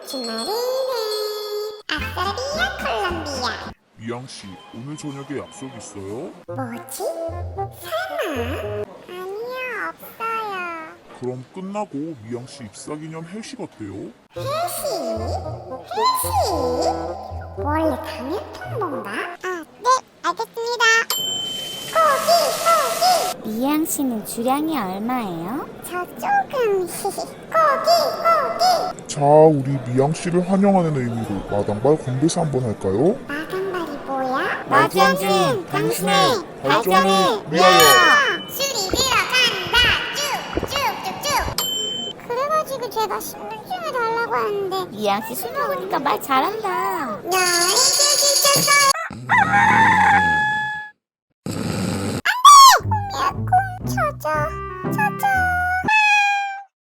주말이네. 아싸비아 콜롬비아. 미양씨, 오늘 저녁에 약속 있어요? 뭐지? 설마? 아니요, 없어요. 그럼 끝나고 미양씨 입사기념 회식 어때요? 회식? 회식? 원래 당일 통보인가? 아, 네, 알겠습니다. 고기! 미양 씨는 주량이 얼마예요? 저 조금 고기! 자, 우리 미양씨를 환영하는 의미로 마당발 건배사 한번 할까요? 마당발이 뭐야? 마주영진, 당신의 발전을 위하여! 술이 들어간다! 쭉쭉쭉쭉! 그래가지고 제가 신분증을 달라고 하는데 미양 씨 술 먹으니까 말 잘한다. 야, 이게 진짜 안돼! 찾아